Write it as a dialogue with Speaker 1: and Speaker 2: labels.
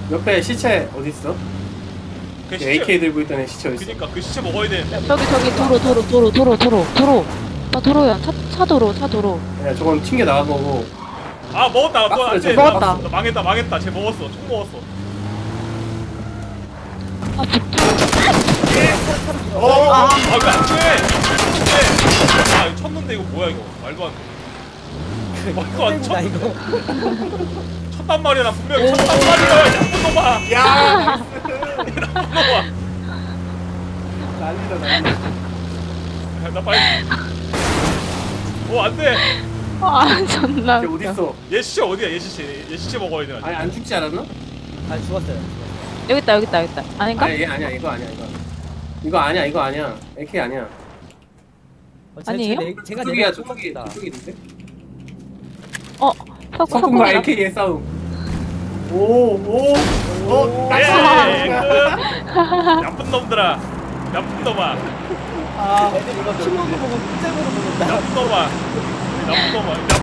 Speaker 1: 옆에 시체 어디 있어?
Speaker 2: 그
Speaker 1: AK 들고 있던 애 시체 어디 있어?
Speaker 2: 그니까 그 시체 먹어야 되는데.
Speaker 3: 저기 도로. 나 도로야. 차 도로.
Speaker 1: 야 저건 튕겨 나간 거고.
Speaker 2: 아 먹었다. 뭐
Speaker 1: 박스를
Speaker 2: 안돼.
Speaker 3: 먹었다.
Speaker 2: 망했다. 쟤 먹었어. 총 먹었어.
Speaker 3: 아 북쪽.
Speaker 2: 아왜 안 돼? 아 이거 쳤는데 이거 뭐야 이거? 말도 안 돼. 말도 안 쳐.
Speaker 4: 이거.
Speaker 2: 쳤단 말이야. 나 분명히 쳤단 말이야. 나쁜 놈아.
Speaker 1: 야!
Speaker 2: 나쁜 놈아.
Speaker 1: 난리다.
Speaker 2: 나 빨리. 안 돼.
Speaker 3: 아 존나.
Speaker 1: 걔 어디 있어?
Speaker 2: 얘 시체 어디야? 얘 시체 먹어야 돼.
Speaker 1: 아니 안 죽지 않았나?
Speaker 4: 아 죽었어요.
Speaker 3: 여기 있다. 아닌가?
Speaker 1: 아니 얘 아니야 이거 아니야. 이거 아니야. AK 아니야.
Speaker 3: 아니에요?
Speaker 4: 제가
Speaker 1: 저쪽이야
Speaker 4: 내가 죽었다.
Speaker 1: 저쪽인데?
Speaker 3: 석궁.
Speaker 1: AK의 싸움. 오.
Speaker 2: 예, 나쁜 놈들아. 나쁜 놈아.
Speaker 4: 아 애들 이거 키우는 거 보고 잼으로 보는다.
Speaker 2: 나쁜 놈아.